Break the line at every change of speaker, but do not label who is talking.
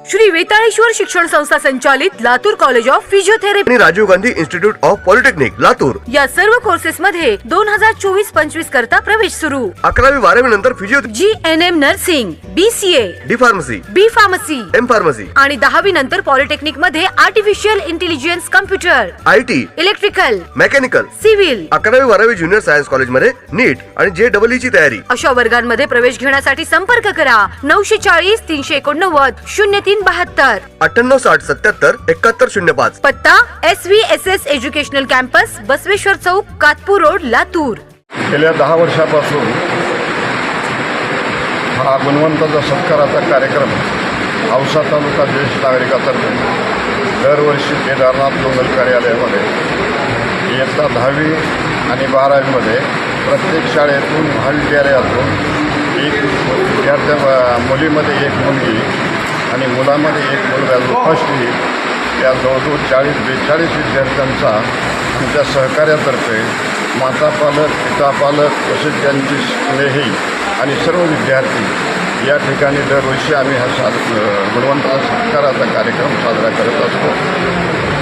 श्री वेताळेश्वर शिक्षण संस्था संचालित लातूर कॉलेज ऑफ फिजिओथेरपी
आणि Rajiv Gandhi institute of polytechnic Latur
या सर्व कोर्सेस मध्ये 2024-25 करता प्रवेश सुरू।
11वी 12वी नंतर physio
GNM nursing, BCA,
D pharmacy,
B pharmacy,
M pharmacy
आणि 10वी नंतर पॉलिटेक्निक मध्ये artificial intelligence, computer,
IT,
electrical,
mechanical,
civil
11वी 12वी ज्युनियर सायन्स कॉलेज मध्ये नीट आणि JEE ची तयारी।
अशा वर्गांमध्ये प्रवेश घेण्यासाठी संपर्क करा 940 389 0372,
9860 77 7105।
पत्ता SVSS educational campus, Basaveshwar Chowk, Katpur road, Latur.
गेल्या 10 वर्षापासून हा गुणवंताचा सत्काराचा कार्यक्रम औसा तालुका ज्येष्ठ नागरिकातर्फे दरवर्षी केदारनाथ मंगल कार्यालयामध्ये इयत्ता 10वी आणि 12वीमध्ये प्रत्येक शाळेतून महाविद्यालयातून एक मुलीमध्ये एक मुलगी आणि मुलामध्ये एक मुलगा जो फर्स्ट येईल या जवळजवळ 40-42 विद्यार्थ्यांचा आमच्या सहकार्यातर्फे माता पालक, पिता पालक तसेच त्यांची स्नेही आणि सर्व विद्यार्थी या ठिकाणी दरवर्षी आम्ही हा गुणवंताचा सत्काराचा कार्यक्रम साजरा करत असतो।